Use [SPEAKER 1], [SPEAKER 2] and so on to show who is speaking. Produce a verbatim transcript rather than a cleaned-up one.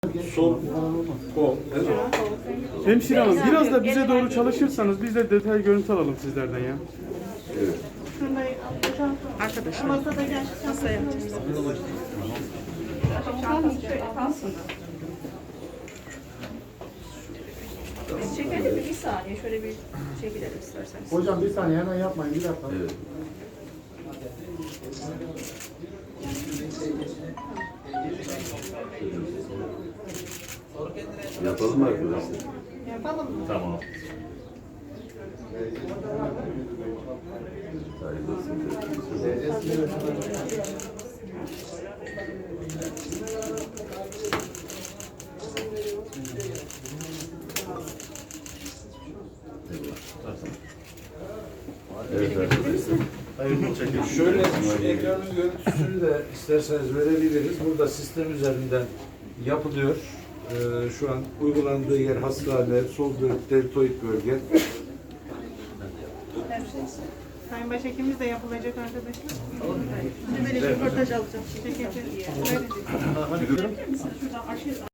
[SPEAKER 1] Sol kol.
[SPEAKER 2] Hemşire hanım biraz da bize doğru çalışırsanız biz de detay görüntü alalım sizlerden ya.
[SPEAKER 1] Evet.
[SPEAKER 3] Arkadaşlar.
[SPEAKER 4] Masada gel.
[SPEAKER 3] Masaya yapacağız. Biz çekelim mi? Bir saniye. Şöyle bir çekilelim isterseniz.
[SPEAKER 5] Hocam bir saniye hemen yapmayın bir dakika.
[SPEAKER 1] Evet. Yapalım mı arkadaşlar?
[SPEAKER 4] Yapalım mı?
[SPEAKER 1] Tamam. Hayırlı olsun. Evet arkadaşlar.
[SPEAKER 6] Şöyle şu ekranın görüntüsünü de isterseniz verebiliriz. Burada sistem üzerinden yapılıyor. Ee, şu an uygulandığı yer hastane, sol bölük, deltoid bölge.
[SPEAKER 4] Sayın Başhekimimiz de yapılacak arkadaşlar.
[SPEAKER 3] Şimdi böyle bir röportaj alacağım.
[SPEAKER 4] Teşekkür ederim.